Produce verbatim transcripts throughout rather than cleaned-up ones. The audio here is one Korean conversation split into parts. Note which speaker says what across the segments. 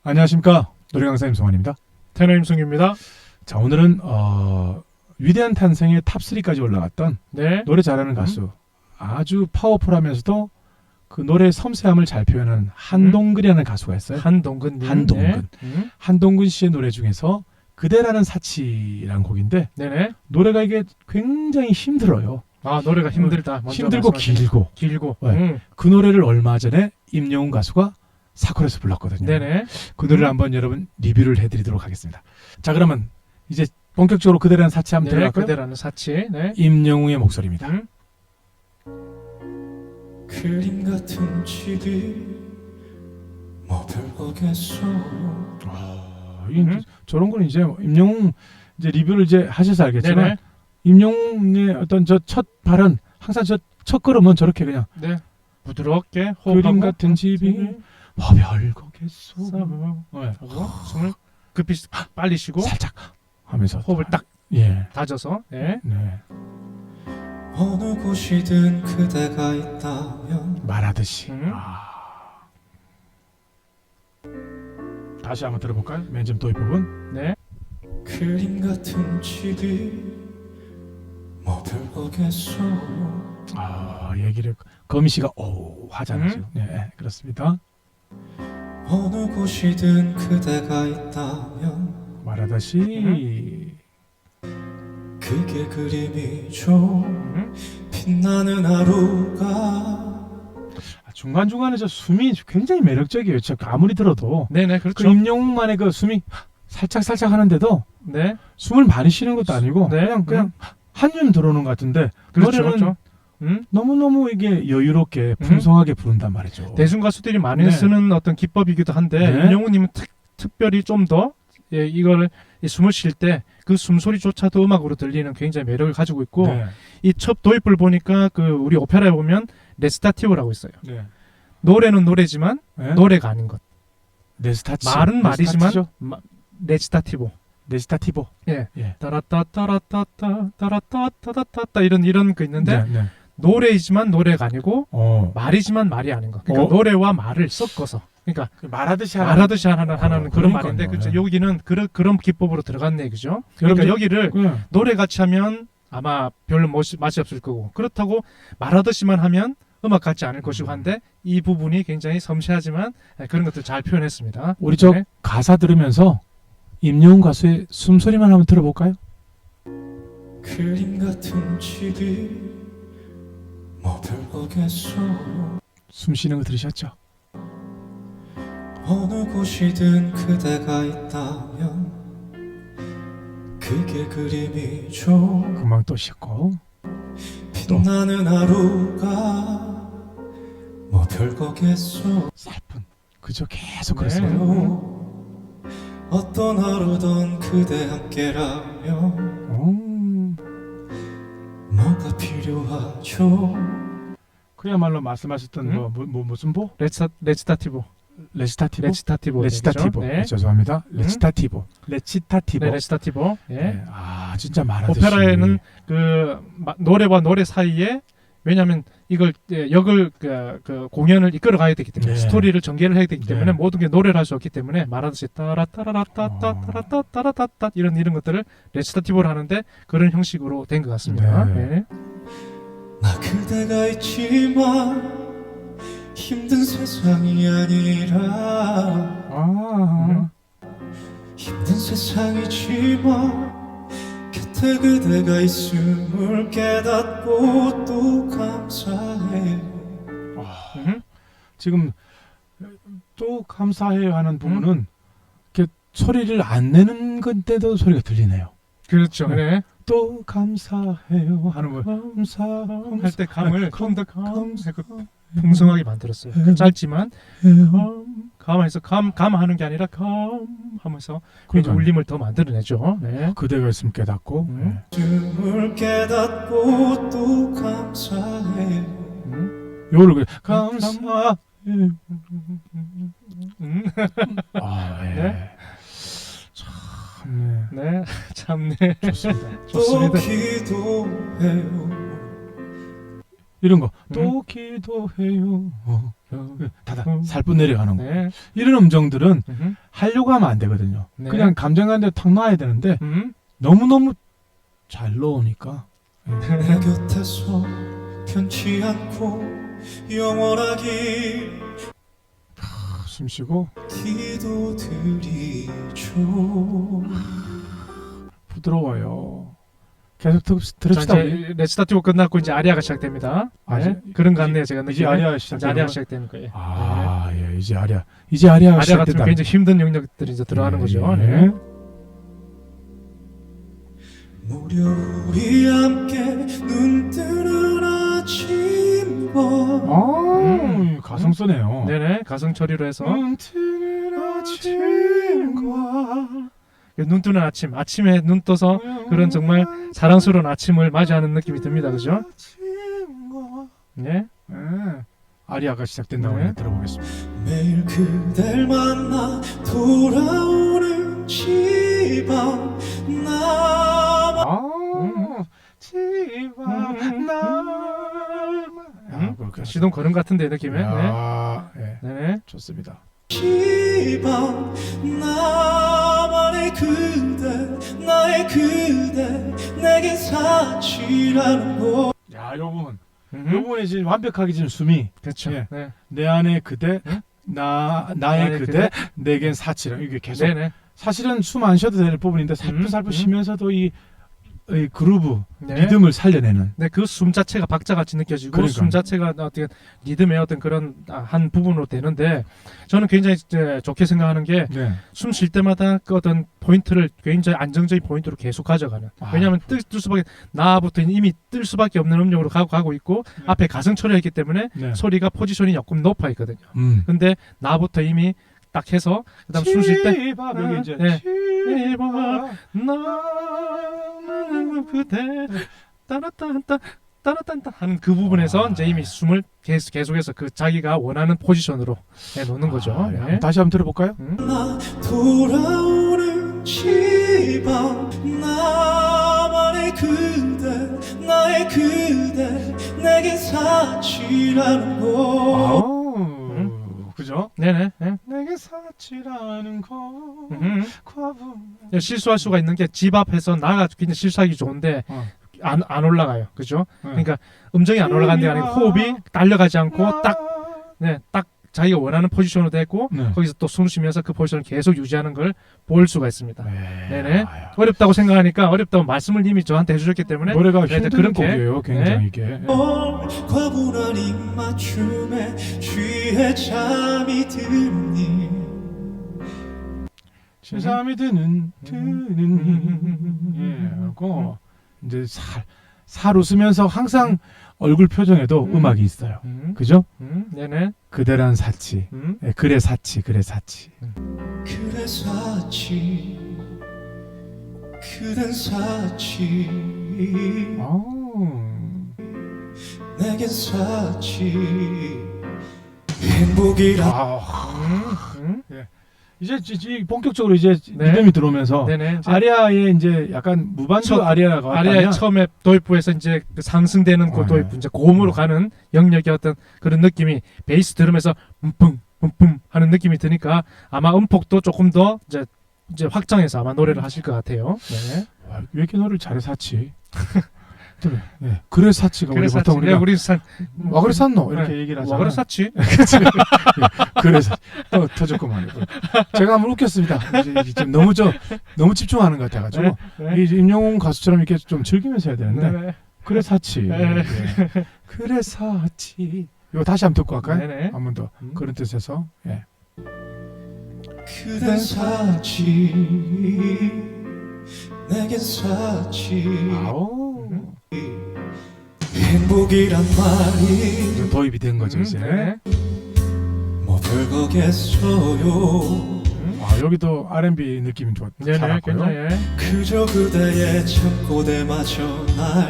Speaker 1: 안녕하십니까, 노래 강사님 송환입니다.
Speaker 2: 테너 임승규입니다.
Speaker 1: 자, 오늘은 어, 위대한 탄생의 탑삼까지 올라갔던
Speaker 2: 네.
Speaker 1: 노래 잘하는 가수, 아주 파워풀하면서도 그 노래의 섬세함을 잘 표현하는 한동근이라는 가수가 있어요.
Speaker 2: 한동근님.
Speaker 1: 한동근.
Speaker 2: 네. 음.
Speaker 1: 한동근 씨의 노래 중에서 그대라는 사치라는 곡인데,
Speaker 2: 네네.
Speaker 1: 노래가 이게 굉장히 힘들어요.
Speaker 2: 아, 노래가 힘들다. 먼저
Speaker 1: 힘들고
Speaker 2: 말씀하신-
Speaker 1: 길고.
Speaker 2: 길고.
Speaker 1: 네.
Speaker 2: 음.
Speaker 1: 그 노래를 얼마 전에 임영웅 가수가 사콜에서 불렀거든요.
Speaker 2: 네네.
Speaker 1: 그 노래를
Speaker 2: 음.
Speaker 1: 한번 여러분 리뷰를 해드리도록 하겠습니다. 자, 그러면 이제 본격적으로 그대라는 사치 한번
Speaker 2: 네,
Speaker 1: 들어갈까요?
Speaker 2: 그대라는 사치. 네.
Speaker 1: 임영웅의 목소리입니다.
Speaker 2: 음.
Speaker 3: 그림 같은 집이 뭐 별거겠어.
Speaker 1: 아, 이,
Speaker 2: 음.
Speaker 1: 저런 거는 이제 임영웅 이제 리뷰를 이제 하셔서 알겠지만,
Speaker 2: 네네.
Speaker 1: 임영웅의 어떤 저 첫 발언, 항상 저 첫 걸음은 저렇게 그냥
Speaker 2: 네. 부드럽게
Speaker 1: 그림
Speaker 2: 호흡하고
Speaker 1: 같은 집이
Speaker 2: 음.
Speaker 1: 뭐 별거겠어.
Speaker 2: 하고
Speaker 1: 네.
Speaker 2: 숨을 급히 빨리 쉬고
Speaker 1: 살짝 하면서
Speaker 2: 호흡을 딱
Speaker 1: 예.
Speaker 2: 다져서. 네.
Speaker 1: 네.
Speaker 3: 어느 곳이든 그대가 있다면
Speaker 1: 말하듯이.
Speaker 2: 음.
Speaker 1: 아. 다시 한번 들어볼까요? 맨 처음 도입 부분.
Speaker 2: 네.
Speaker 3: 그림 같은 집이 뭐 별거겠어.
Speaker 1: 아, 얘기를 거미 씨가 오 하잖아요.
Speaker 2: 음.
Speaker 1: 지금. 네, 그렇습니다.
Speaker 3: 어느 곳이든 그대가 있다면
Speaker 1: 말하듯이.
Speaker 3: 그게 그림이죠.
Speaker 2: 음.
Speaker 3: 빛나는 하루가
Speaker 1: 아, 중간중간에 저 숨이 굉장히 매력적이에요. 진짜 아무리 들어도
Speaker 2: 네네.
Speaker 1: 그
Speaker 2: 그렇죠.
Speaker 1: 임영웅만의 그 숨이 살짝 살짝 하는데도
Speaker 2: 네.
Speaker 1: 숨을 많이 쉬는 것도 아니고
Speaker 2: 네.
Speaker 1: 그냥 그냥
Speaker 2: 음.
Speaker 1: 한줌 들어오는 것 같은데,
Speaker 2: 그렇죠.
Speaker 1: 노래는
Speaker 2: 그렇죠. 음.
Speaker 1: 너무너무 이게 여유롭게 풍성하게 부른단 말이죠.
Speaker 2: 대중 가수들이 많이
Speaker 1: 네.
Speaker 2: 쓰는 어떤 기법이기도 한데,
Speaker 1: 네.
Speaker 2: 임영웅님은 특, 특별히 좀 더 예, 이걸 이 숨을 쉴 때 그 숨소리조차도 음악으로 들리는 굉장히 매력을 가지고 있고,
Speaker 1: 네.
Speaker 2: 이 첫 도입부를 보니까 그 우리 오페라에 보면 레스타티오라고 있어요.
Speaker 1: 네.
Speaker 2: 노래는 노래지만
Speaker 1: 네.
Speaker 2: 노래가 아닌 것.
Speaker 1: 네스타치.
Speaker 2: 말은 말이지만
Speaker 1: 네스타치죠?
Speaker 2: 마, 레지타티보.
Speaker 1: 네스타티보.
Speaker 2: 예.
Speaker 1: 예.
Speaker 2: 따라따따라따따 따라따따따따 이런 이런 거 있는데,
Speaker 1: 네, 네.
Speaker 2: 노래이지만 노래가 아니고
Speaker 1: 어.
Speaker 2: 말이지만 말이 아닌 것. 그러니까
Speaker 1: 어?
Speaker 2: 노래와 말을 섞어서. 그러니까
Speaker 1: 말하듯이 하는.
Speaker 2: 말하듯이 하는 하는
Speaker 1: 어,
Speaker 2: 그런
Speaker 1: 그러니까요.
Speaker 2: 말인데, 그렇죠.
Speaker 1: 네.
Speaker 2: 여기는 그런 그런 기법으로 들어갔네, 그죠? 그러니까
Speaker 1: 여러분들-
Speaker 2: 여기를
Speaker 1: 네.
Speaker 2: 노래 같이 하면 아마 별로 멋이, 맛이 없을 거고, 그렇다고 말하듯이만 하면 음악 같지 않을 것이고 한데, 이 부분이 굉장히 섬세하지만 그런 것들 잘 표현했습니다.
Speaker 1: 우리 저
Speaker 2: 네.
Speaker 1: 가사 들으면서 임영웅 가수의 숨소리만 한번 들어볼까요?
Speaker 3: 그림 같은 집이 뭐 별거겠어.
Speaker 1: 숨 쉬는 거 들으셨죠?
Speaker 3: 어느 곳이든 그대가 있다면 그게 그림이죠.
Speaker 1: 금방 또 쉬었고.
Speaker 3: 빛나는 하루가 뭐 별거겠어.
Speaker 1: 살뿐. 그죠? 계속
Speaker 2: 네.
Speaker 1: 그랬어요.
Speaker 3: 어떤 하루든 그대 함께라면
Speaker 1: 음.
Speaker 3: 뭐가 필요하죠.
Speaker 1: 그야말로 말씀하셨던
Speaker 2: 음?
Speaker 1: 뭐, 뭐, 뭐 무슨 보?
Speaker 2: 레지타, 레지타티보.
Speaker 1: 레시타티보?
Speaker 2: 레지타티보.
Speaker 1: 레시타티보.
Speaker 2: 네.
Speaker 1: 네, 죄송합니다. 레시타티보. 레시타티보.
Speaker 2: 네, 레지타티보. 예.
Speaker 1: 네. 아, 진짜 말하듯이.
Speaker 2: 오페라에는 그 마- 노래와 노래 사이에, 왜냐하면 이걸 예, 역을 그, 그 공연을 이끌어 가야 되기 때문에,
Speaker 1: 네.
Speaker 2: 스토리를 전개를 해야 되기 때문에
Speaker 1: 네.
Speaker 2: 모든 게 노래를 할 수 없기 때문에 말하듯이 따라 따라라따
Speaker 1: 어.
Speaker 2: 따라따 따라따따 이런 이런 것들을 레지타티브로 하는데, 그런 형식으로 된 것 같습니다.
Speaker 1: 네.
Speaker 2: 예.
Speaker 3: 나 그대가 있지만 힘든 세상이 아니라
Speaker 1: 아.
Speaker 3: 힘든 세상이지만 곁에 그대가 있음을 깨닫고 또 감사해.
Speaker 1: 아.
Speaker 2: 음.
Speaker 1: 지금 또 감사해요 하는 부분은 이렇게 소리를 안 내는 건데도 소리가 들리네요.
Speaker 2: 그렇죠.
Speaker 1: 네.
Speaker 2: 네.
Speaker 1: 또 감사해요 하는 거. 감사
Speaker 2: 할 때 감을 좀 더
Speaker 1: 감사
Speaker 2: 풍성하게 만들었어요. 그 짧지만 감, 감에서 감, 감하는 게 아니라 감 하면서 굉장히
Speaker 1: 그러니까.
Speaker 2: 울림을 더 만들어내죠. 네.
Speaker 1: 그대가 있으면 깨닫고.
Speaker 2: 음.
Speaker 3: 을 깨닫고 또 감사해.
Speaker 2: 음.
Speaker 1: 요를 그 감사.
Speaker 2: 음.
Speaker 1: 아, 예.
Speaker 2: 네.
Speaker 1: 참, 네.
Speaker 2: 네. 참네.
Speaker 1: 좋습니다.
Speaker 3: 또
Speaker 2: 좋습니다.
Speaker 3: 기도해요.
Speaker 1: 이런 거.
Speaker 2: 음.
Speaker 1: 또 기도해요. 어. 다다
Speaker 2: 음.
Speaker 1: 살뿐 내려가는 거.
Speaker 2: 네.
Speaker 1: 이런 음정들은
Speaker 2: 음흠.
Speaker 1: 하려고 하면 안 되거든요.
Speaker 2: 네.
Speaker 1: 그냥 감정 가는 대로 탁 놔야 되는데
Speaker 2: 음.
Speaker 1: 너무너무 잘 넣으니까
Speaker 3: 내 곁에서 변치 않고 영원하기
Speaker 1: 숨 쉬고
Speaker 3: 기도드리죠.
Speaker 1: 부드러워요. 계속 들-
Speaker 2: 자,
Speaker 1: 들읍시다. 우리.
Speaker 2: 이제 레스타티브 끝났고 이제 아리아가 시작됩니다.
Speaker 1: 아,
Speaker 2: 네.
Speaker 1: 이제-
Speaker 2: 그런 것 같네요. 제가
Speaker 1: 이제
Speaker 2: 느낌에.
Speaker 1: 아리아
Speaker 2: 이제
Speaker 1: 시작되는
Speaker 2: 아리아
Speaker 1: 거?
Speaker 2: 시작되는 거예요.
Speaker 1: 아, 예, 이제 아리아. 이제 아리아가
Speaker 2: 아리아 같으면
Speaker 1: 시작됐다.
Speaker 2: 굉장히 힘든 영역들이 이제 들어가는 거죠.
Speaker 1: 예.
Speaker 2: 네.
Speaker 3: 무려 우리 함께 눈 뜨는 아침과
Speaker 1: 아,
Speaker 2: 음.
Speaker 1: 가성 쓰네요.
Speaker 2: 네네 가성 처리로 해서
Speaker 1: 눈 뜨는 아침과
Speaker 2: 눈 뜨는 아침, 아침에 눈 떠서 그런 정말 사랑스러운 아침을 맞이하는 느낌이 듭니다, 그죠?
Speaker 1: 아침과
Speaker 2: 네.
Speaker 1: 예. 아리아가 시작된다고
Speaker 2: 네.
Speaker 1: 네. 들어보겠습니다.
Speaker 3: 매일 그댈 만나 돌아오는 집안 나만
Speaker 1: 아,
Speaker 2: 음.
Speaker 1: 집안
Speaker 2: 음.
Speaker 1: 나만.
Speaker 2: 음?
Speaker 1: 그렇게
Speaker 2: 시동 거는 같은데 느낌에. 네.
Speaker 1: 야, 예.
Speaker 2: 네.
Speaker 1: 좋습니다.
Speaker 3: 집안 나만의 그대 나의 그대 내겐 사치라는 거
Speaker 1: 야, 요 부분. 요
Speaker 2: 음.
Speaker 1: 부분에 지금 완벽하게 지금 숨이
Speaker 2: 그렇죠.
Speaker 1: 예.
Speaker 2: 네.
Speaker 1: 내 안에 그대,
Speaker 2: 응?
Speaker 1: 나 나의
Speaker 2: 나의
Speaker 1: 그대, 내겐 사치라. 이게 계속
Speaker 2: 네네.
Speaker 1: 사실은 숨 안 쉬어도 될 부분인데 살풋살풋
Speaker 2: 음, 음.
Speaker 1: 쉬면서도 이, 이 그루브,
Speaker 2: 네.
Speaker 1: 리듬을 살려내는.
Speaker 2: 네, 그 숨 자체가 박자같이 느껴지고
Speaker 1: 그러니까요.
Speaker 2: 숨 자체가 어떻게 리듬의 어떤 그런 아, 한 부분으로 되는데 저는 굉장히 이제 좋게 생각하는 게
Speaker 1: 네.
Speaker 2: 숨 쉴 때마다 그 어떤 포인트를 굉장히 안정적인 포인트로 계속 가져가는.
Speaker 1: 아,
Speaker 2: 왜냐하면 뜰, 뜰 수밖에 나부터 이미 뜰 수밖에 없는 음역으로 가고 가고 있고
Speaker 1: 네.
Speaker 2: 앞에 가성 처리했기 때문에
Speaker 1: 네.
Speaker 2: 소리가 포지션이 조금 높아 있거든요.
Speaker 1: 음.
Speaker 2: 근데 나부터 이미 딱 해서 그다음 숨 쉴 때
Speaker 1: 치밥, 여기 이제
Speaker 2: 네.
Speaker 1: 치밥.
Speaker 2: 나는 그대 따라따따 따라따따 하는 그 부분에서
Speaker 1: 아.
Speaker 2: 이제 이미 숨을 계속 계속해서 그 자기가 원하는 포지션으로 해 놓는 거죠.
Speaker 1: 아, 네.
Speaker 2: 네.
Speaker 1: 한번 다시 한번 들어볼까요?
Speaker 2: 음.
Speaker 3: 나 돌아오는 집안 나만의 그대 나의 그대 내겐 사치라는 거
Speaker 1: 아우, 그죠?
Speaker 2: 네네. 네.
Speaker 1: 내게 사치라는 거
Speaker 2: 음.
Speaker 1: 과분.
Speaker 2: 실수할 수가 있는 게 집 앞에서 나가 굉장히 실수하기 좋은데
Speaker 1: 어.
Speaker 2: 안, 안 올라가요. 그죠?
Speaker 1: 네.
Speaker 2: 그러니까 음정이 안 올라가는 게 아니고 호흡이 딸려가지 않고 딱 네, 딱 자기가 원하는 포지션으로 됐고
Speaker 1: 네.
Speaker 2: 거기서 또 숨 쉬면서 그 포지션을 계속 유지하는 걸 볼 수가 있습니다.
Speaker 1: 네.
Speaker 2: 네네.
Speaker 1: 아유.
Speaker 2: 어렵다고 생각하니까 어렵다고 말씀을 이미 저한테 해주셨기 때문에
Speaker 1: 노래가
Speaker 2: 네,
Speaker 1: 힘든
Speaker 2: 그렇게,
Speaker 1: 곡이에요. 굉장히 이게.
Speaker 3: 올 과분한 입맞춤에 취해 잠이 드니
Speaker 1: 세상이 드는 드는
Speaker 2: 음.
Speaker 1: 예, 하고 이제 살, 살 웃으면서 항상 얼굴 표정에도
Speaker 2: 음.
Speaker 1: 음. 악이 있어요.
Speaker 2: 음,
Speaker 1: 그죠?
Speaker 2: 음, 네네.
Speaker 1: 그대란 사치.
Speaker 2: 음,
Speaker 1: 예, 그래 사치, 그래 사치.
Speaker 3: 그대 사치 그댄 사치
Speaker 1: 아우.
Speaker 3: 내겐 사치 행복이란
Speaker 1: 아,
Speaker 2: 음, 음,
Speaker 1: 이제 지- 지- 본격적으로 이제
Speaker 2: 네.
Speaker 1: 리듬이 들어오면서
Speaker 2: 네네. 이제
Speaker 1: 아리아의 이제 약간 무반주
Speaker 2: 첫-
Speaker 1: 아리아라고
Speaker 2: 아리아의
Speaker 1: 하다면
Speaker 2: 처음에 도입부에서 이제 그 상승되는 그
Speaker 1: 어,
Speaker 2: 도입부
Speaker 1: 네.
Speaker 2: 이제 고음으로
Speaker 1: 어.
Speaker 2: 가는 영역의 어떤 그런 느낌이 베이스 들으면서 음뿡 음뿡 하는 느낌이 드니까 아마 음폭도 조금 더 이제 이제 확장해서 아마 노래를 하실 것 같아요. 네.
Speaker 1: 와, 왜 이렇게 노래를 잘해 사치? 그래, 네. 그래 사치가 우리
Speaker 2: 그래서
Speaker 1: 보통 우리가
Speaker 2: 우리 산
Speaker 1: 와 그래 샀노 이렇게
Speaker 2: 네.
Speaker 1: 얘기를
Speaker 2: 와
Speaker 1: 하잖아요.
Speaker 2: 그래 샀지.
Speaker 1: 그래서 또 터졌구만. 제가 한번 웃겼습니다. 이제 이게 좀 너무 저 너무 집중하는 것 같아가지고
Speaker 2: 네.
Speaker 1: 이 임영웅 가수처럼 이렇게 좀 즐기면서 해야 되는데
Speaker 2: 네.
Speaker 1: 그래 사치.
Speaker 2: 네.
Speaker 1: 예. 그래 사치. 이거 다시 한번 듣고 갈까요?
Speaker 2: 네네.
Speaker 1: 한 번 더
Speaker 2: 음.
Speaker 1: 그런 뜻에서. 예.
Speaker 3: 그댄 사치 내겐 사치
Speaker 1: 아우.
Speaker 3: 행복이란 말이
Speaker 1: 이제 도입이 된 거죠 이제.
Speaker 2: 네.
Speaker 3: 뭐 별거겠어요
Speaker 2: 음.
Speaker 1: 아 여기도 알앤비 느낌이 좋.
Speaker 2: 네네.
Speaker 1: 살았고요.
Speaker 2: 굉장히 예.
Speaker 3: 그저 그대의 참고대마저 날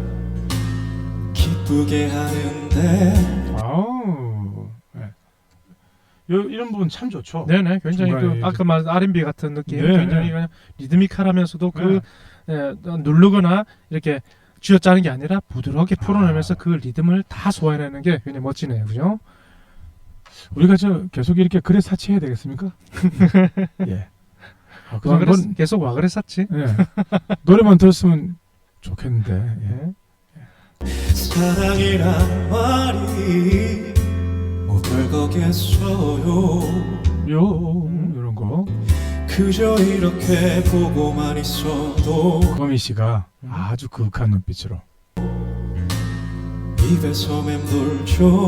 Speaker 3: 기쁘게 하는데
Speaker 1: 아우. 예. 요 이런 부분 참 좋죠.
Speaker 2: 네네. 굉장히
Speaker 1: 중간에
Speaker 2: 그 아까 말한 알앤비 같은 느낌.
Speaker 1: 네.
Speaker 2: 굉장히 그냥 리드미컬하면서도 그
Speaker 1: 네.
Speaker 2: 예, 누르거나 이렇게 쥐어짜는 게 아니라 부드럽게 풀어내면서
Speaker 1: 아.
Speaker 2: 그 리듬을 다 소화해내는 게 굉장히 멋지네요, 그죠?
Speaker 1: 우리가 저 계속 이렇게 글에 사치해야 되겠습니까? 예. 아,
Speaker 2: 와
Speaker 1: 그냥
Speaker 2: 그랬,
Speaker 1: 건-
Speaker 2: 계속 와 그랬었지.
Speaker 1: 예. 노래만 들었으면 좋겠는데. 예.
Speaker 3: 사랑이란 말이 뭐 별거겠어요.
Speaker 1: 요 이런 거.
Speaker 3: 그저 이렇게 보고만 있어도
Speaker 1: 거미 씨가
Speaker 2: 음.
Speaker 1: 아주 그윽한 눈빛으로
Speaker 3: 입에서 맴돌죠.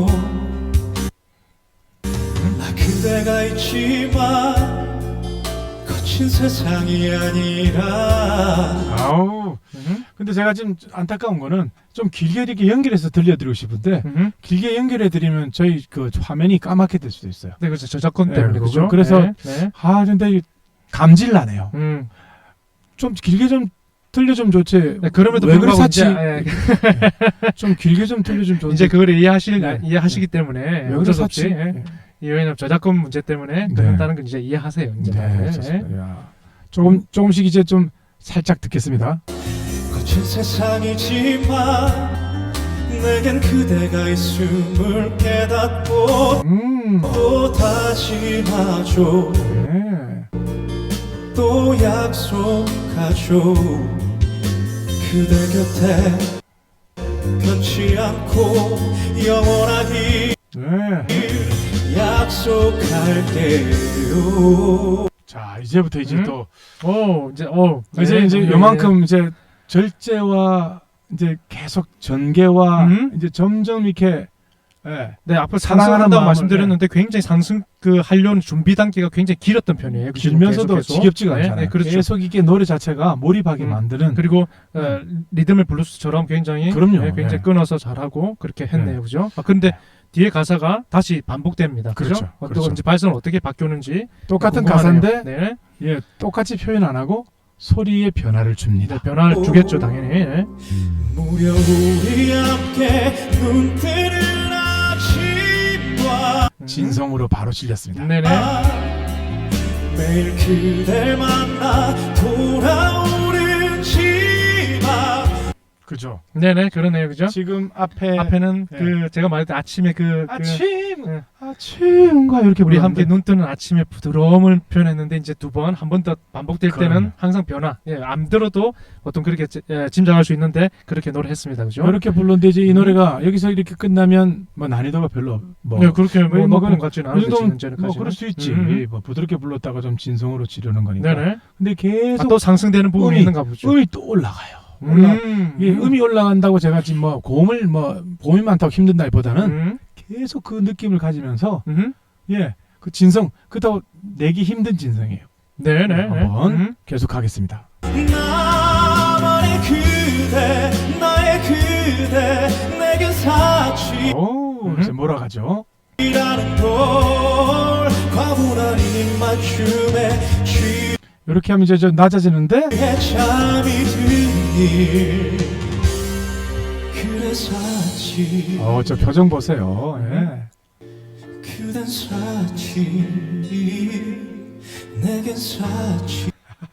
Speaker 3: 나 그대가 있지만 거친 세상이 아니라
Speaker 1: 아우.
Speaker 2: 음.
Speaker 1: 근데 제가 지금 안타까운 거는 좀 길게 이렇게 연결해서 들려드리고 싶은데
Speaker 2: 음.
Speaker 1: 길게 연결해 드리면 저희 그 화면이 까맣게 될 수도 있어요.
Speaker 2: 네, 그렇죠. 저작권
Speaker 1: 네,
Speaker 2: 때문에
Speaker 1: 그거-
Speaker 2: 그죠.
Speaker 1: 그래서
Speaker 2: 네, 네.
Speaker 1: 아 근데 이 감질 나네요.
Speaker 2: 음.
Speaker 1: 좀 길게 좀 들려주면 좋지.
Speaker 2: 네, 그럼에도
Speaker 1: 왜 그래
Speaker 2: 불구하고
Speaker 1: 사치?
Speaker 2: 이제, 예,
Speaker 1: 좀 길게 좀 들려주면 좋은데.
Speaker 2: 이제 그거를 이해하실
Speaker 1: 네.
Speaker 2: 이해하시기 때문에
Speaker 1: 왜 그래
Speaker 2: 어쩔 수 없이
Speaker 1: 사치?
Speaker 2: 예. 이 왜냐면 저작권 문제 때문에
Speaker 1: 네.
Speaker 2: 그런다는 건 이제 이해하세요. 이제
Speaker 1: 네,
Speaker 2: 다들. 예.
Speaker 1: 좋습니다. 야. 조금 조금씩 이제 좀 살짝 듣겠습니다.
Speaker 3: 거친 세상이지만 내겐 그대가 있음을 깨닫고
Speaker 1: 음.
Speaker 3: 또 다짐하죠.
Speaker 1: 네.
Speaker 3: 또 약속하죠. 그대 곁에 변치 않고 영원하기
Speaker 1: 네.
Speaker 3: 약속할게요.
Speaker 1: 자 이제부터 이제
Speaker 2: 음?
Speaker 1: 또
Speaker 2: 오, 이제 어
Speaker 1: 이제
Speaker 2: 네,
Speaker 1: 이제
Speaker 2: 네,
Speaker 1: 요만큼 이제 절제와 이제 계속 전개와
Speaker 2: 음?
Speaker 1: 이제 점점 이렇게 예.
Speaker 2: 네, 앞으로
Speaker 1: 사랑하는
Speaker 2: 상승한다고
Speaker 1: 마음을-
Speaker 2: 말씀드렸는데 굉장히 상승 그 하려는 준비 단계가 굉장히 길었던 편이에요. 그 지금
Speaker 1: 길면서도
Speaker 2: 계속, 계속.
Speaker 1: 지겹지가
Speaker 2: 네,
Speaker 1: 않잖아요.
Speaker 2: 네, 그렇죠.
Speaker 1: 계속 이게 노래 자체가 몰입하게
Speaker 2: 음.
Speaker 1: 만드는
Speaker 2: 그리고 어, 리듬을 블루스처럼 굉장히
Speaker 1: 그럼요.
Speaker 2: 네, 굉장히
Speaker 1: 네.
Speaker 2: 끊어서 잘하고 그렇게 했네요,
Speaker 1: 네.
Speaker 2: 그죠? 아, 근데 뒤에 가사가 다시 반복됩니다, 그죠?
Speaker 1: 그렇죠,
Speaker 2: 어떤
Speaker 1: 그렇죠.
Speaker 2: 이제 발성은 어떻게 바뀌었는지
Speaker 1: 똑같은
Speaker 2: 궁금하네요.
Speaker 1: 가사인데
Speaker 2: 네,
Speaker 1: 예, 똑같이 표현 안 하고 소리의 변화를 줍니다.
Speaker 2: 네, 변화를 주겠죠, 당연히. 네.
Speaker 3: 무려 우리 함께 눈 뜨는 아침과
Speaker 2: 음.
Speaker 1: 진성으로 바로 실렸습니다.
Speaker 2: 네네.
Speaker 3: 매일 그댈 만나 돌아오는 집앞
Speaker 1: 그죠?
Speaker 2: 네네, 그러네요, 그죠?
Speaker 1: 지금 앞에
Speaker 2: 앞에는
Speaker 1: 네.
Speaker 2: 그 제가 말했던 아침에 그, 그
Speaker 1: 아침
Speaker 2: 네.
Speaker 1: 아침과 이렇게
Speaker 2: 우리 함께
Speaker 1: 불렀는데
Speaker 2: 눈 뜨는 아침의 부드러움을 표현했는데 이제 두 번 한 번 더 반복될
Speaker 1: 그럼요.
Speaker 2: 때는 항상 변화. 예, 안 들어도 보통 그렇게 지- 예, 짐작할 수 있는데 그렇게 노래했습니다, 그죠?
Speaker 1: 이렇게 불렀는데 이제 이
Speaker 2: 음.
Speaker 1: 노래가 여기서 이렇게 끝나면 뭐 난이도가 별로 뭐
Speaker 2: 네, 그렇게 뭐,
Speaker 1: 뭐
Speaker 2: 뭐
Speaker 1: 그건
Speaker 2: 그런 것 같지는
Speaker 1: 이
Speaker 2: 않은데
Speaker 1: 정도면
Speaker 2: 지금
Speaker 1: 뭐
Speaker 2: 전까지는.
Speaker 1: 그럴 수 있지.
Speaker 2: 음.
Speaker 1: 뭐 부드럽게 불렀다가 좀 진성으로 지르는 거니까.
Speaker 2: 네네.
Speaker 1: 근데
Speaker 2: 아,
Speaker 1: 계속
Speaker 2: 또 상승되는 부분이
Speaker 1: 음이-
Speaker 2: 있는가 보죠.
Speaker 1: 음이 또 올라가요. 올라.
Speaker 2: 음.
Speaker 1: 이게 음이 올라간다고 제가 지금 뭐 고음을 뭐 고음이 많다고 힘든다기보다는
Speaker 2: 음.
Speaker 1: 계속 그 느낌을 가지면서
Speaker 2: 음.
Speaker 1: 예, 그 진성 그렇다고 내기 힘든 진성이에요.
Speaker 2: 네네.
Speaker 1: 한번
Speaker 2: 음.
Speaker 1: 계속 하겠습니다.
Speaker 3: 나만의 그대 나의 그대 내겐 사치라는
Speaker 1: 오,
Speaker 2: 음.
Speaker 1: 이제 몰아가죠.
Speaker 3: 걸 과분한 입맞춤에
Speaker 1: 이렇게 하면 이제 저 낮아지는데
Speaker 3: 취해 잠이 든일 그대 사치
Speaker 1: 어, 저 표정 보세요. 예.
Speaker 3: 그댄 사치 내겐 사치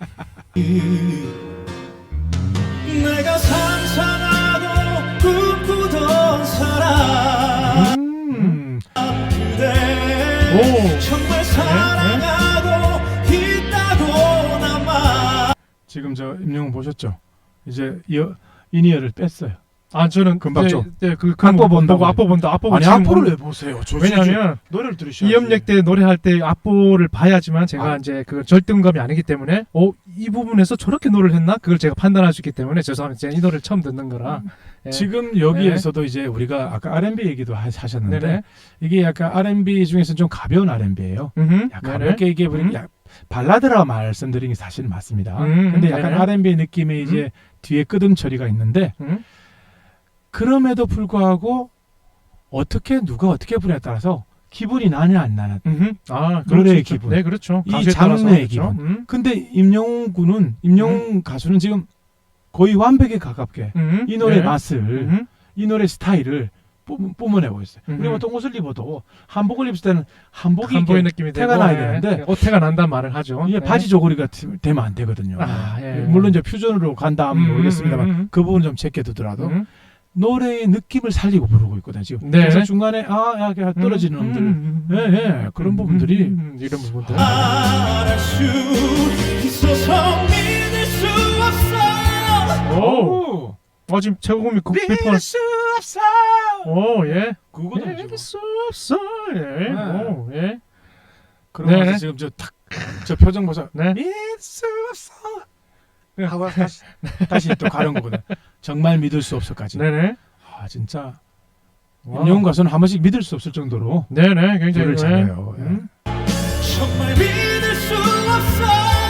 Speaker 3: 내가 상상하고 꿈꾸던 사람
Speaker 1: 음.
Speaker 3: 그대
Speaker 2: 오.
Speaker 3: 정말 사랑하고 있다고 남아
Speaker 1: 지금 저 임영웅 보셨죠? 이제 이어, 이니어를 뺐어요.
Speaker 2: 아 저는
Speaker 1: 금방
Speaker 2: 네,
Speaker 1: 좀.
Speaker 2: 네, 그
Speaker 1: 악보
Speaker 2: 그거
Speaker 1: 본다고.
Speaker 2: 보고 악보 본다. 악보
Speaker 1: 아니
Speaker 2: 지금
Speaker 1: 앞으로
Speaker 2: 보면-
Speaker 1: 왜 보세요? 저,
Speaker 2: 왜냐하면
Speaker 1: 노래를 들으셔야지.
Speaker 2: 이음역 때 노래할 때 악보를 봐야지만 제가
Speaker 1: 아.
Speaker 2: 이제 그 절등감이 아니기 때문에 어 이 부분에서 저렇게 노래를 했나 그걸 제가 판단할 수 있기 때문에 죄송합니다. 제가 이 노래를 처음 듣는 거라. 예.
Speaker 1: 지금 여기에서도 이제 우리가 아까 알앤비 얘기도 하, 하셨는데
Speaker 2: 네네.
Speaker 1: 이게 약간 알앤비 중에서 좀 가벼운 알앤비예요.
Speaker 2: 음흠.
Speaker 1: 약간
Speaker 2: 네네.
Speaker 1: 가볍게 이게 우리
Speaker 2: 음.
Speaker 1: 약 발라드라 말씀드린 게 사실 맞습니다.
Speaker 2: 음,
Speaker 1: 근데 약간
Speaker 2: 네네.
Speaker 1: 알앤비 느낌의 이제 뒤에 끄듬 처리가 있는데
Speaker 2: 음.
Speaker 1: 그럼에도 불구하고 어떻게 누가 어떻게 부냐에 따라서 기분이 나냐 안 나냐.
Speaker 2: 음흠. 아,
Speaker 1: 노래의
Speaker 2: 그럴 수 있죠.
Speaker 1: 기분.
Speaker 2: 네, 그렇죠.
Speaker 1: 이
Speaker 2: 가수에 따라서
Speaker 1: 장르의
Speaker 2: 그렇죠.
Speaker 1: 기분.
Speaker 2: 음.
Speaker 1: 근데 임영웅 군은 임영웅 가수는 지금 거의 완벽에 가깝게
Speaker 2: 음.
Speaker 1: 이 노래
Speaker 2: 네.
Speaker 1: 맛을
Speaker 2: 음흠.
Speaker 1: 이 노래 스타일을 뿜, 뿜어내고 있어요.
Speaker 2: 음흠.
Speaker 1: 우리가 보통 옷을 입어도 한복을 입을 때는 한복이
Speaker 2: 한보의
Speaker 1: 이렇게
Speaker 2: 느낌이
Speaker 1: 태가
Speaker 2: 되고,
Speaker 1: 나야
Speaker 2: 예.
Speaker 1: 되는데
Speaker 2: 어, 태가 난다는 말을 하죠.
Speaker 1: 이게
Speaker 2: 예.
Speaker 1: 바지 조거리가 되- 되면 안 되거든요.
Speaker 2: 아, 예.
Speaker 1: 물론 이제 퓨전으로 간다 하면
Speaker 2: 음,
Speaker 1: 모르겠습니다만
Speaker 2: 음, 음.
Speaker 1: 그 부분 좀 제껴두더라도
Speaker 2: 음.
Speaker 1: 노래의 느낌을 살리고 부르고 있거든요. 지금.
Speaker 2: 네.
Speaker 1: 그래서 중간에 아, 야, 야, 떨어지는
Speaker 2: 음,
Speaker 1: 음들,
Speaker 2: 음, 음,
Speaker 1: 예, 예, 그런
Speaker 2: 음,
Speaker 1: 부분들이
Speaker 2: 음, 음, 이런 부분들.
Speaker 3: 말할 수 있어서 믿을 수 없어.
Speaker 2: 오, 어 지금 최고음이 국비퍼.
Speaker 1: 수 없어.
Speaker 2: 오, 예.
Speaker 1: 그거도
Speaker 2: 믿을 수 없어. 예.
Speaker 1: 네.
Speaker 2: 오, 예.
Speaker 1: 그러면서
Speaker 2: 네.
Speaker 1: 지금 저 탁, 저 표정 보자.
Speaker 2: 네.
Speaker 1: 믿을 수 없어. 하고 다시 다시 또 가는 거거든. 정말 믿을 수 없어까지.
Speaker 2: 네네.
Speaker 1: 아 진짜
Speaker 2: 와.
Speaker 1: 임영웅 가수는 한 번씩 믿을 수 없을 정도로
Speaker 2: 네네, 굉장히
Speaker 1: 노래를 잘해요. 예.
Speaker 2: 음.
Speaker 3: 정말 믿을 수 없어.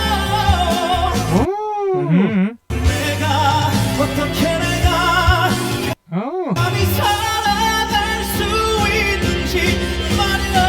Speaker 2: 음.
Speaker 3: 내가 어떻게 내가
Speaker 1: 어.
Speaker 3: 감히 살아갈 수 있는지 말이야.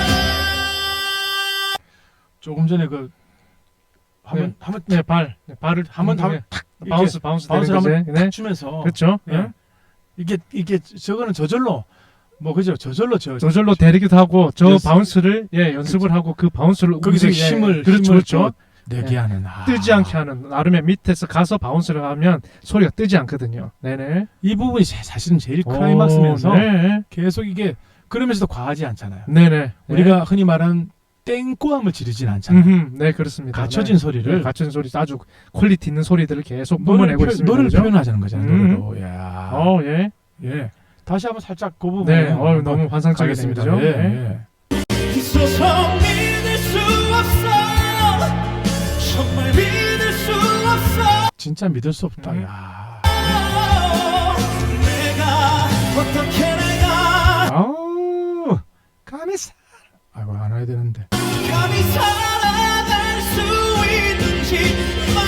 Speaker 1: 조금 전에 그 한번
Speaker 2: 네.
Speaker 1: 한번
Speaker 2: 네, 발. 네, 발을
Speaker 1: 한번
Speaker 2: 네.
Speaker 1: 한번 탁
Speaker 2: 바운스, 바운스
Speaker 1: 바운스
Speaker 2: 되는
Speaker 1: 한번
Speaker 2: 거지.
Speaker 1: 탁
Speaker 2: 네.
Speaker 1: 주면서
Speaker 2: 그렇죠.
Speaker 1: 예.
Speaker 2: 네.
Speaker 1: 이게 이게 저거는 저절로 뭐 그죠 저절로 저
Speaker 2: 저절로 데리기도 하고 저
Speaker 1: 연습.
Speaker 2: 바운스를 예 연습을 하고 그 바운스를
Speaker 1: 거기서
Speaker 2: 움직이- 예,
Speaker 1: 힘을
Speaker 2: 그렇죠,
Speaker 1: 힘을
Speaker 2: 그렇죠.
Speaker 1: 또 내게 하는 아.
Speaker 2: 뜨지 않게 하는 나름의 밑에서 가서 바운스를 하면 소리가 뜨지 않거든요. 네네.
Speaker 1: 이 부분이 사- 사실은 제일 클라이막스면서
Speaker 2: 오, 네.
Speaker 1: 계속 이게 그러면서도 과하지 않잖아요.
Speaker 2: 네네.
Speaker 1: 우리가 흔히 말하는 땡꼬함을 지르진 않잖아요.
Speaker 2: 음흠, 네 그렇습니다.
Speaker 1: 갖춰진
Speaker 2: 네.
Speaker 1: 소리를
Speaker 2: 네, 갖춰진 소리 아주 퀄리티 있는 소리들을 계속
Speaker 1: 노래를,
Speaker 2: 뿜어내고
Speaker 1: 표,
Speaker 2: 있습니다.
Speaker 1: 노래를
Speaker 2: 그죠?
Speaker 1: 표현하자는 거잖아요.
Speaker 2: 음.
Speaker 1: 노래로. 야.
Speaker 2: 어, 예.
Speaker 1: 예. 다시 한번 살짝 그 부분
Speaker 2: 네. 어, 너무 환상적이네요.
Speaker 1: 가겠습니다.
Speaker 2: 그죠?
Speaker 1: 예,
Speaker 2: 네.
Speaker 1: 예.
Speaker 3: 있어서 믿을 수 없어. 정말 믿을 수 없어.
Speaker 1: 진짜 믿을 수 없다.
Speaker 2: 음.
Speaker 1: 야.
Speaker 3: 내가 어떻게 내가
Speaker 1: 아우. 감히 사. 아이고 안 해야 되는데.
Speaker 3: 감히 살아갈 수 있는지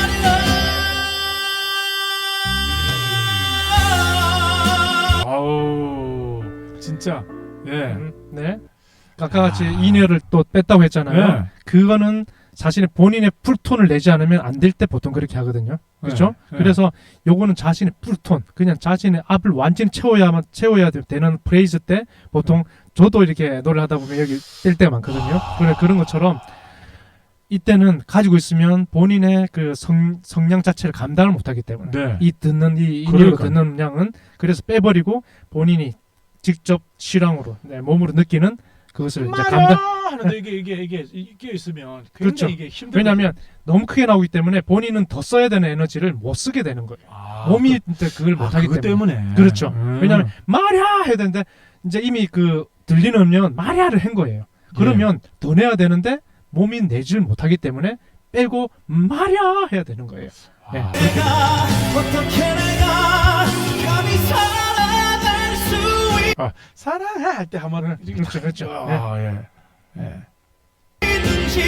Speaker 3: 말이야.
Speaker 1: 아우. 진짜. 예.
Speaker 2: 음, 네. 아까 같이
Speaker 1: 아.
Speaker 2: 인여를 또 뺐다고 했잖아요.
Speaker 1: 네.
Speaker 2: 그거는 자신의 본인의 풀톤을 내지 않으면 안 될 때 보통 그렇게 하거든요. 그렇죠?
Speaker 1: 네.
Speaker 2: 그래서 요거는 자신의 풀톤, 그냥 자신의 앞을 완전히 채워야만 채워야 되는 프레이즈 때 보통 저도 이렇게 노래를 하다 보면 여기 뗄 때가 많거든요. 그래 그런 것처럼 이때는 가지고 있으면 본인의 그 성, 성량 자체를 감당을 못하기 때문에
Speaker 1: 네.
Speaker 2: 이 듣는 이 인여로
Speaker 1: 그러니까요.
Speaker 2: 듣는 양은 그래서 빼버리고 본인이 직접 실황으로 네, 몸으로 느끼는 그것을 이제 감당.
Speaker 1: 하는데 이게 이게 이게 이게 있으면
Speaker 2: 그렇죠.
Speaker 1: 굉장히 이게 힘들어.
Speaker 2: 왜냐하면 너무 크게 나오기 때문에 본인은 더 써야 되는 에너지를 못 쓰게 되는 거예요.
Speaker 1: 아,
Speaker 2: 몸이 이제 그걸
Speaker 1: 그, 아,
Speaker 2: 못하기
Speaker 1: 그것
Speaker 2: 때문에.
Speaker 1: 때문에.
Speaker 2: 그렇죠.
Speaker 1: 음.
Speaker 2: 왜냐하면 말야 해야 되는데 이제 이미 그 들리는 음료는 말야를 한 거예요. 그러면
Speaker 1: 예.
Speaker 2: 더 내야 되는데 몸이 내지를 못하기 때문에 빼고 말야 해야 되는 거예요. 네.
Speaker 1: 아,
Speaker 3: 내가 어떻게 내가 감히 살아갈 수
Speaker 1: 아, 사랑해 할 때 한번은
Speaker 2: 그렇죠, 그렇죠.
Speaker 1: 아, 예. 예.
Speaker 3: 있는지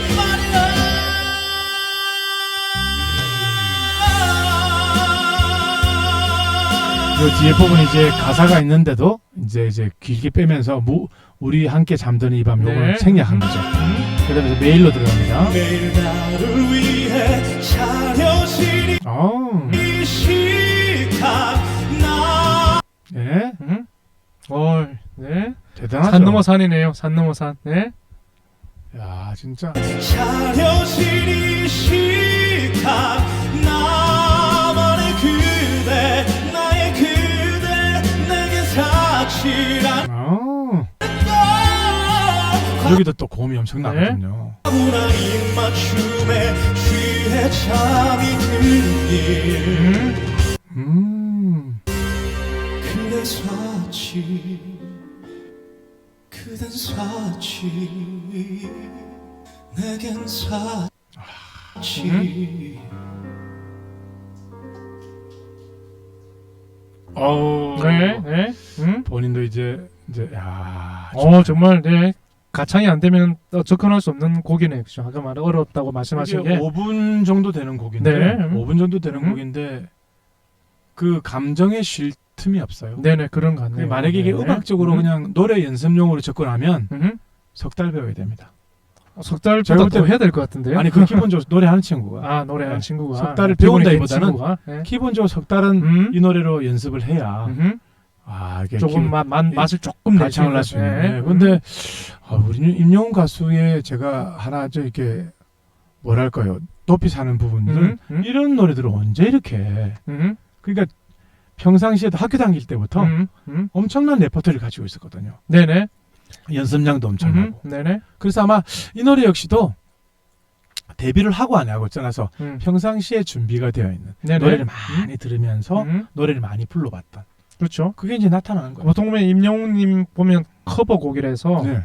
Speaker 3: 말이야.
Speaker 1: 요 뒤에 부분 이제 가사가 있는데도 이제 이제 길게 빼면서 무, 우리 함께 잠드는 이 밤 요걸
Speaker 2: 네.
Speaker 1: 생략한 거죠. 그다음에 메일로 들어갑니다.
Speaker 3: 매일 나를 위해 차려진
Speaker 1: 어,
Speaker 3: 이 시간 나
Speaker 1: 예,
Speaker 2: 음? 어, 네.
Speaker 1: 대단하죠.
Speaker 2: 산 넘어 산이네요. 산 넘어 산. 네.
Speaker 1: 야, 진짜.
Speaker 3: 차려진 이 시간 나만의 그대 나의 그대 내게 사치란
Speaker 1: 어,
Speaker 3: 걸
Speaker 1: 여기도 또 고음이 엄청나거든요.
Speaker 3: 과분한 입맞춤에 취해 잠이 들길
Speaker 2: 음.
Speaker 1: 음,
Speaker 3: 그대 사치 그댄 사치 내겐 사치
Speaker 1: 어,
Speaker 2: 네. 네. 음?
Speaker 1: 본인도 이제 이제 야,
Speaker 2: 어, 정말 네. 가창이 안 되면 또 접근할 수 없는 곡이네요. 그죠? 아까 말 어렵다고 말씀하신
Speaker 1: 이게
Speaker 2: 게.
Speaker 1: 오 분 정도 되는 곡인데
Speaker 2: 네. 음.
Speaker 1: 오 분 정도 되는
Speaker 2: 음.
Speaker 1: 곡인데 그 감정에 쉴 틈이 없어요.
Speaker 2: 네네, 그런 것 같네요.
Speaker 1: 만약에 이게
Speaker 2: 네.
Speaker 1: 음악적으로
Speaker 2: 음.
Speaker 1: 그냥 노래 연습용으로 접근하면
Speaker 2: 음.
Speaker 1: 석 달 배워야 됩니다.
Speaker 2: 석 달보다
Speaker 1: 제가 볼
Speaker 2: 더
Speaker 1: 때-
Speaker 2: 해야 될 것 같은데요?
Speaker 1: 아니 그 기본적으로 노래하는 친구가
Speaker 2: 아, 노래하는
Speaker 1: 네.
Speaker 2: 친구가.
Speaker 1: 석 달을
Speaker 2: 기본이
Speaker 1: 배운다기보다는
Speaker 2: 친구가. 네.
Speaker 1: 기본적으로 석 달은
Speaker 2: 음.
Speaker 1: 이 노래로 연습을 해야
Speaker 2: 음흠.
Speaker 1: 아 이게
Speaker 2: 조금 맛, 맛, 맛을 조금 낼
Speaker 1: 가창을 할 수 있는.
Speaker 2: 네.
Speaker 1: 네. 근데 아, 우리 임영웅 가수의 제가 하나 저 이렇게 뭐랄까요 높이 사는 부분들은
Speaker 2: 음. 음.
Speaker 1: 이런 노래들을 언제 이렇게 해?
Speaker 2: 음.
Speaker 1: 그러니까 평상시에도 학교 다닐 때부터
Speaker 2: 음, 음.
Speaker 1: 엄청난 레퍼토리를 가지고 있었거든요.
Speaker 2: 네네.
Speaker 1: 연습량도 엄청나고.
Speaker 2: 음, 네네.
Speaker 1: 그래서 아마 이 노래 역시도 데뷔를 하고 안 하고 떠나서
Speaker 2: 음.
Speaker 1: 평상시에 준비가 되어 있는
Speaker 2: 네네.
Speaker 1: 노래를 많이 들으면서
Speaker 2: 음.
Speaker 1: 노래를 많이 불러봤던
Speaker 2: 그렇죠.
Speaker 1: 그게 이제 나타나는 거예요.
Speaker 2: 보통 보면 임영웅님 보면 커버곡이라서
Speaker 1: 네.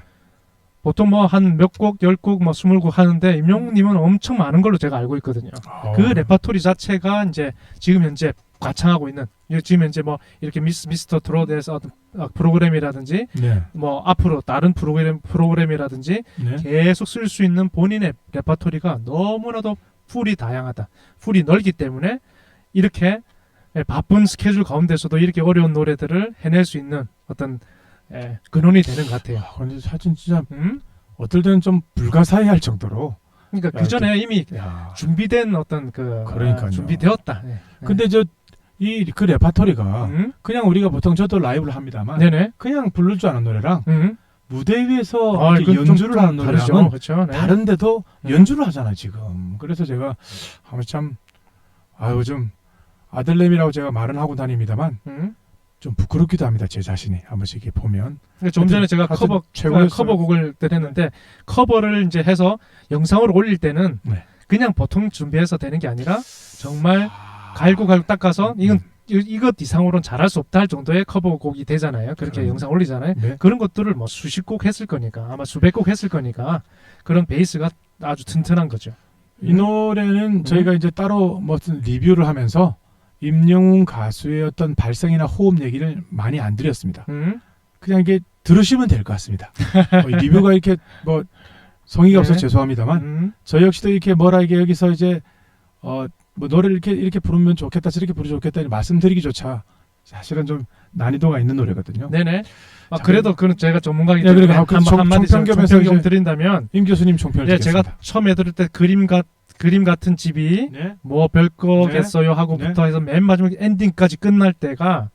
Speaker 2: 보통 뭐 한 몇 곡, 열 곡, 뭐 스물 곡 하는데 임영웅님은 엄청 많은 걸로 제가 알고 있거든요.
Speaker 1: 어.
Speaker 2: 그 레퍼토리 자체가 이제 지금 현재 과창하고 있는 지금 현재 뭐 이렇게 미스 미스터 트롯에서 어떤 프로그램이라든지
Speaker 1: 네.
Speaker 2: 뭐 앞으로 다른 프로그램 프로그램이라든지
Speaker 1: 네.
Speaker 2: 계속 쓸 수 있는 본인의 레퍼토리가 너무나도 풀이 다양하다. 풀이 넓기 때문에 이렇게 바쁜 스케줄 가운데서도 이렇게 어려운 노래들을 해낼 수 있는 어떤 예, 근원이 되는 것 같아요.
Speaker 1: 아, 근데 사실 진짜
Speaker 2: 음?
Speaker 1: 어떨 때는 좀 불가사의할 정도로.
Speaker 2: 그러니까
Speaker 1: 야,
Speaker 2: 그 전에 이미
Speaker 1: 야.
Speaker 2: 준비된 어떤 그
Speaker 1: 그러니까요.
Speaker 2: 아, 준비되었다. 예.
Speaker 1: 근데 저 이 그 레퍼토리가
Speaker 2: 음?
Speaker 1: 그냥 우리가 보통 저도 라이브를 합니다만
Speaker 2: 네네.
Speaker 1: 그냥 부를 줄 아는 노래랑
Speaker 2: 음?
Speaker 1: 무대 위에서
Speaker 2: 아,
Speaker 1: 이렇게
Speaker 2: 이건 좀-
Speaker 1: 연주를
Speaker 2: 좀
Speaker 1: 하는
Speaker 2: 다르죠.
Speaker 1: 노래랑은
Speaker 2: 그렇죠. 네.
Speaker 1: 다른데도
Speaker 2: 음.
Speaker 1: 연주를 하잖아요 지금. 그래서 제가 아무 참 아유 좀 아들내미라고 제가 말은 하고 다닙니다만
Speaker 2: 음?
Speaker 1: 좀 부끄럽기도 합니다 제 자신이 한 번씩 이렇게 보면.
Speaker 2: 그러니까 좀 전에 제가
Speaker 1: 하여튼
Speaker 2: 커버
Speaker 1: 최고였어요.
Speaker 2: 커버곡을 했는데 커버를 이제 해서 영상으로 올릴 때는
Speaker 1: 네.
Speaker 2: 그냥 보통 준비해서 되는 게 아니라 정말
Speaker 1: 아,
Speaker 2: 갈고 갈고 닦아서 이건
Speaker 1: 음.
Speaker 2: 이- 이것 이상으로는 잘할 수 없다 할 정도의 커버곡이 되잖아요. 그렇게
Speaker 1: 음.
Speaker 2: 영상 올리잖아요.
Speaker 1: 네.
Speaker 2: 그런 것들을 뭐 수십 곡 했을 거니까 아마 수백 곡 했을 거니까 그런 베이스가 아주 튼튼한 거죠.
Speaker 1: 이 노래는 저희가 이제 따로 무슨 리뷰를 하면서 임영웅 가수의 어떤 발성이나 호흡 얘기를 많이 안 드렸습니다.
Speaker 2: 음?
Speaker 1: 그냥 이게 들으시면 될 것 같습니다. 어, 이 리뷰가 이렇게 뭐 성의가
Speaker 2: 네.
Speaker 1: 없어서 죄송합니다만
Speaker 2: 음?
Speaker 1: 저 역시도 이렇게 뭐라 이게 여기서 이제 어 뭐 노래를 이렇게 이렇게 부르면 좋겠다 저렇게 부르면 좋겠다 말씀드리기조차 사실은 좀 난이도가 있는 노래거든요.
Speaker 2: 네네. 아,
Speaker 1: 자,
Speaker 2: 그래도 그는 제가 전문가이기
Speaker 1: 네,
Speaker 2: 때문에
Speaker 1: 그러니까 그
Speaker 2: 한,
Speaker 1: 청-
Speaker 2: 한마디
Speaker 1: 청평점에서
Speaker 2: 청평점
Speaker 1: 이제
Speaker 2: 드린다면
Speaker 1: 임 교수님 총평을
Speaker 2: 예,
Speaker 1: 드리겠습니다.
Speaker 2: 제가 처음에 들을 때 그림 같 그림 같은 집이
Speaker 1: 네.
Speaker 2: 뭐 별거겠어요 하고부터 해서 맨 마지막 엔딩까지 끝날 때가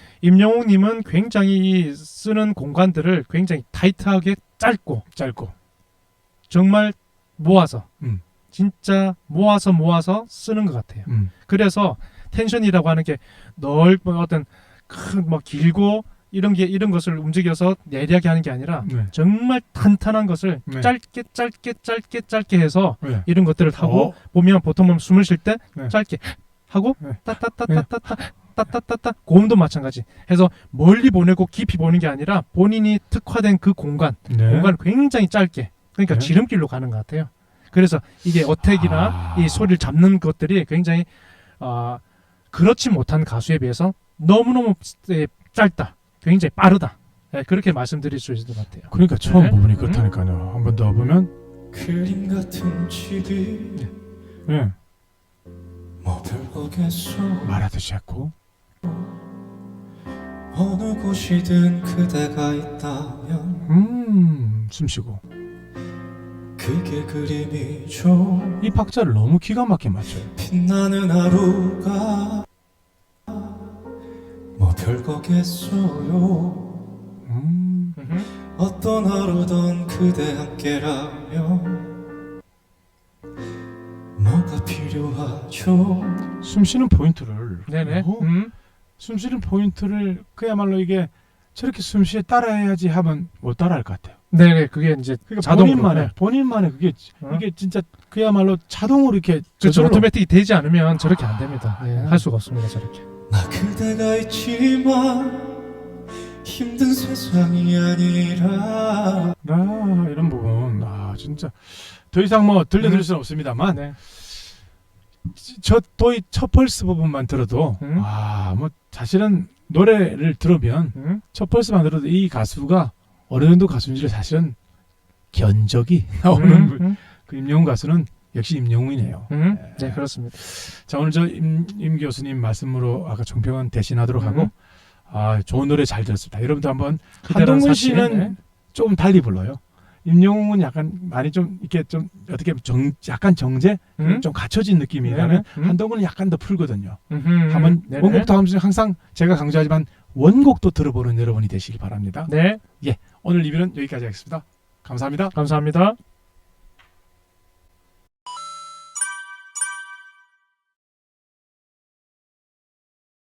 Speaker 2: 임영웅님은 굉장히 이 쓰는 공간들을 굉장히 타이트하게 짧고
Speaker 1: 짧고
Speaker 2: 정말 모아서
Speaker 1: 음.
Speaker 2: 진짜 모아서 모아서 쓰는 것 같아요.
Speaker 1: 음.
Speaker 2: 그래서 텐션이라고 하는 게 넓은 어떤 큰 뭐 길고 이런 게 이런 것을 움직여서 예리하게 하는 게 아니라
Speaker 1: 네.
Speaker 2: 정말 탄탄한 것을
Speaker 1: 네.
Speaker 2: 짧게 짧게 짧게 짧게 해서
Speaker 1: 네.
Speaker 2: 이런 것들을 하고
Speaker 1: 어?
Speaker 2: 보면 보통 보면 숨을 쉴 때
Speaker 1: 네.
Speaker 2: 짧게 하고
Speaker 1: 네.
Speaker 2: 따따따따따따 따따따따 고음도 마찬가지 해서 멀리 보내고 깊이 보는 게 아니라 본인이 특화된 그 공간
Speaker 1: 네.
Speaker 2: 공간을 굉장히 짧게 그러니까
Speaker 1: 네.
Speaker 2: 지름길로 가는 것 같아요. 그래서 이게 어택이나
Speaker 1: 아.
Speaker 2: 이 소리를 잡는 것들이 굉장히 아 그렇지 못한 가수에 비해서 너무너무 예, 짧다. 굉장히 빠르다. 예, 그렇게 말씀드릴 수 있을 것 같아요.
Speaker 1: 그러니까 처음
Speaker 2: 네.
Speaker 1: 부분이
Speaker 2: 음.
Speaker 1: 그렇다니까요. 한 번 더 보면
Speaker 3: 그림 같은 집이
Speaker 1: 네.
Speaker 3: 뭐 별거겠어.
Speaker 1: 말하듯이 했고
Speaker 3: 어느 곳이든 그대가 있다면
Speaker 1: 음 숨쉬고
Speaker 3: 그게 그림이죠.
Speaker 1: 이 박자를 너무 기가 막히게 맞춰요.
Speaker 3: 빛나는 하루가 뭐 별거겠어요.
Speaker 1: 음.
Speaker 2: 음흠.
Speaker 3: 어떤 하루든 그대 함께라면 뭐가 필요하죠.
Speaker 1: 숨쉬는 포인트를
Speaker 2: 네네.
Speaker 1: 어?
Speaker 2: 음.
Speaker 1: 숨쉬는 포인트를 그야말로 이게 저렇게 숨쉬에 따라해야지 하면 못 따라할 것 같아요.
Speaker 2: 네네. 그게 이제
Speaker 1: 그러니까
Speaker 2: 자동으로.
Speaker 1: 본인만의
Speaker 2: 네.
Speaker 1: 본인만의 그게
Speaker 2: 어?
Speaker 1: 이게 진짜 그야말로 자동으로 이렇게
Speaker 2: 그렇죠.
Speaker 1: 저절로-
Speaker 2: 오토매틱이 되지 않으면 저렇게 안 됩니다. 예,
Speaker 1: 아.
Speaker 2: 할 수가 없습니다. 저렇게.
Speaker 3: 나 그대가 있지만 힘든 세상이 아니라
Speaker 1: 아 이런 부분 아 진짜 더 이상 뭐 들려드릴
Speaker 2: 음.
Speaker 1: 수는 없습니다만
Speaker 2: 네.
Speaker 1: 저또이 첫 펄스 부분만 들어도
Speaker 2: 음.
Speaker 1: 아 뭐 사실은 노래를 들으면
Speaker 2: 음.
Speaker 1: 첫 펄스만 들어도 이 가수가 어느 정도 가수인지를 사실은 견적이 나오는
Speaker 2: 음.
Speaker 1: 분.
Speaker 2: 음.
Speaker 1: 그 임영웅 가수는 역시 임영웅이네요.
Speaker 2: 음. 네, 그렇습니다.
Speaker 1: 자 오늘 저 임 임 교수님 말씀으로 아까 종평은 대신하도록
Speaker 2: 음.
Speaker 1: 하고 아 좋은 노래 잘 들었습니다. 여러분도 한번
Speaker 2: 그대란
Speaker 1: 한동근
Speaker 2: 사실.
Speaker 1: 씨는
Speaker 2: 네.
Speaker 1: 조금 달리 불러요. 임영웅은 약간 많이 좀 이렇게 좀 어떻게 보면 정 약간 정제
Speaker 2: 음.
Speaker 1: 좀 갖춰진 느낌이라면
Speaker 2: 네네. 음.
Speaker 1: 한동훈은 약간 더 풀거든요.
Speaker 2: 음흠.
Speaker 1: 한번
Speaker 2: 네네.
Speaker 1: 원곡도 하면서 항상 제가 강조하지만 원곡도 들어보는 여러분이 되시길 바랍니다.
Speaker 2: 네,
Speaker 1: 오늘 리뷰는 여기까지 하겠습니다. 감사합니다.
Speaker 2: 감사합니다.